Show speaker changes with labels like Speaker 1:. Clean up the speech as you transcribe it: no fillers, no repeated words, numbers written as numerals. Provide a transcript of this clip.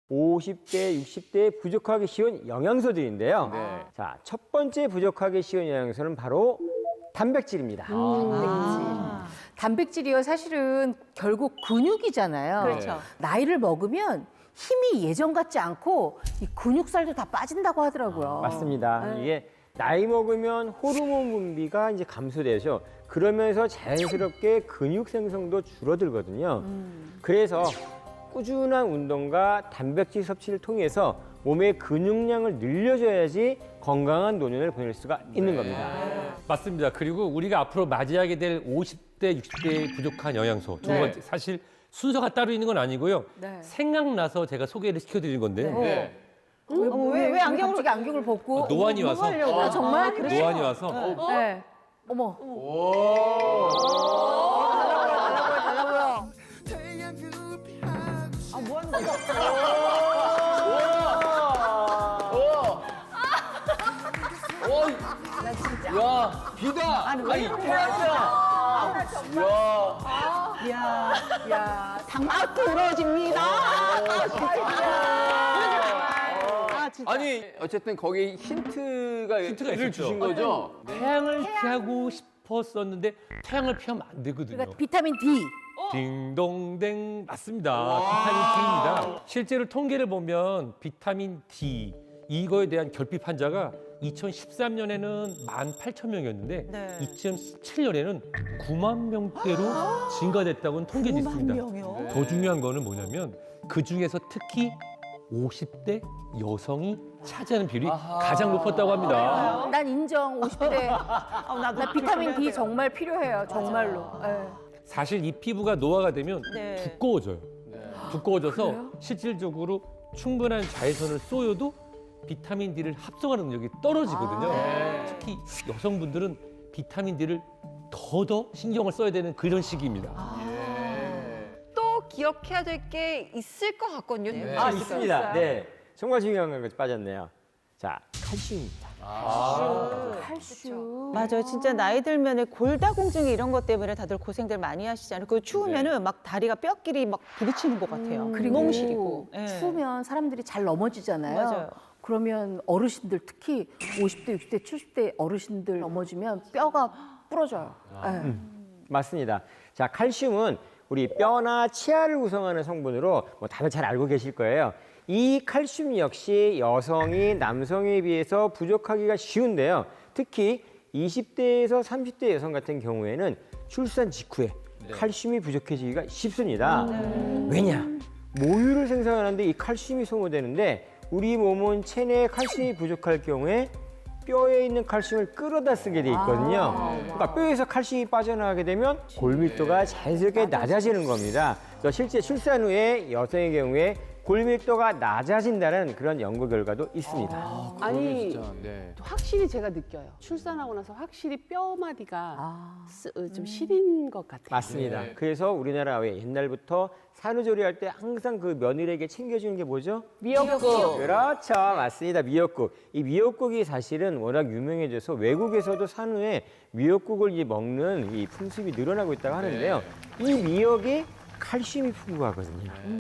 Speaker 1: 50대, 60대에 부족하기 쉬운 영양소들인데요.
Speaker 2: 네.
Speaker 1: 자, 첫 번째 부족하기 쉬운 영양소는 바로 단백질입니다.
Speaker 3: 단백질이요, 사실은 결국 근육이잖아요.
Speaker 2: 그렇죠.
Speaker 3: 나이를 먹으면 힘이 예전 같지 않고 이 근육살도 다 빠진다고 하더라고요.
Speaker 1: 맞습니다. 이게 나이 먹으면 호르몬 분비가 이제 감소되죠. 그러면서 자연스럽게 근육 생성도 줄어들거든요. 그래서 꾸준한 운동과 단백질 섭취를 통해서 몸의 근육량을 늘려줘야지 건강한 노년을 보낼 수가 있는 겁니다.
Speaker 4: 맞습니다. 그리고 우리가 앞으로 맞이하게 될 50대, 60대의 부족한 영양소. 두 번째, 사실 순서가 따로 있는 건 아니고요.
Speaker 3: 네.
Speaker 4: 생각나서 제가 소개를 시켜드린 건데요.
Speaker 2: 네.
Speaker 3: 왜 안경을 갑자기 안경을 벗고?
Speaker 4: 노안이 와서.
Speaker 3: 아, 정말?
Speaker 4: 노안이 와서.
Speaker 3: 네. 어머.
Speaker 2: 야, 비다. 아니,
Speaker 5: 야, 당막 부러집니다.
Speaker 2: 아니, 어쨌든 거기 힌트가
Speaker 4: 힌트가
Speaker 2: 를
Speaker 4: 있었죠.
Speaker 2: 주신 거죠?
Speaker 4: 태양을 피하고 싶었었는데 태양을 피하면 안 되거든요.
Speaker 3: 그러니까 비타민 D.
Speaker 4: 딩동댕 맞습니다. 비타민 D입니다. 실제로 통계를 보면 비타민 D 이거에 대한 결핍 환자가 2013년에는 18,000명이었는데
Speaker 5: 네.
Speaker 4: 2017년에는 9만 명대로 증가됐다고는 통계도
Speaker 5: 9만
Speaker 4: 있습니다.
Speaker 5: 명이요?
Speaker 4: 더 중요한 거는 뭐냐면 그 중에서 특히 50대 여성이 차지하는 비율이 가장 높았다고 합니다.
Speaker 3: 난 인정, 50대.
Speaker 5: 나도
Speaker 3: 나 비타민 D 정말 필요해요, 정말로. 네.
Speaker 4: 사실 이 피부가 노화가 되면
Speaker 5: 네.
Speaker 4: 두꺼워져요. 두꺼워져서 실질적으로 충분한 자외선을 쏘여도 비타민 D를 합성하는 능력이 떨어지거든요. 특히 여성분들은 비타민 D를 더 신경을 써야 되는 그런 시기입니다.
Speaker 6: 또 기억해야 될 게 있을 것 같거든요.
Speaker 1: 있습니다. 네. 정말 중요한 건 빠졌네요. 자, 칼슘입니다.
Speaker 3: 칼슘.
Speaker 5: 맞아요. 진짜 나이 들면은 골다공증 이런 것 때문에 다들 고생들 많이 하시잖아요. 그 추우면은 막 다리가 뼈끼리 막 부딪히는 것 같아요.
Speaker 3: 그리고
Speaker 5: 너무 시리고. 예.
Speaker 3: 추우면 사람들이 잘 넘어지잖아요.
Speaker 5: 맞아요.
Speaker 3: 그러면 어르신들 특히 50대, 60대, 70대 어르신들 넘어지면 뼈가 부러져요. 네.
Speaker 1: 맞습니다. 자, 칼슘은 우리 뼈나 치아를 구성하는 성분으로 다들 잘 알고 계실 거예요. 이 칼슘 역시 여성이 남성에 비해서 부족하기가 쉬운데요. 특히 20대에서 30대 여성 같은 경우에는 출산 직후에 칼슘이 부족해지기가 쉽습니다. 왜냐? 모유를 생산하는데 이 칼슘이 소모되는데 우리 몸은 체내에 칼슘이 부족할 경우에 뼈에 있는 칼슘을 끌어다 쓰게 돼 있거든요. 그러니까 뼈에서 칼슘이 빠져나가게 되면 골밀도가 자연스럽게 낮아지는 겁니다. 그래서 실제 출산 후에 여성의 경우에 골밀도가 낮아진다는 그런 연구 결과도 있습니다.
Speaker 7: 아니
Speaker 2: 진짜, 네.
Speaker 7: 확실히 제가 느껴요. 출산하고 나서 확실히 뼈마디가 좀 시린 것 같아요.
Speaker 1: 맞습니다.
Speaker 2: 네.
Speaker 1: 그래서 우리나라 왜 옛날부터 산후조리할 때 항상 그 며느리에게 챙겨주는 게 뭐죠?
Speaker 7: 미역국.
Speaker 1: 그렇죠. 맞습니다. 미역국. 이 미역국이 사실은 워낙 유명해져서 외국에서도 산후에 미역국을 먹는 이 풍습이 늘어나고 있다고 하는데요. 이 미역이 칼슘이 풍부하거든요.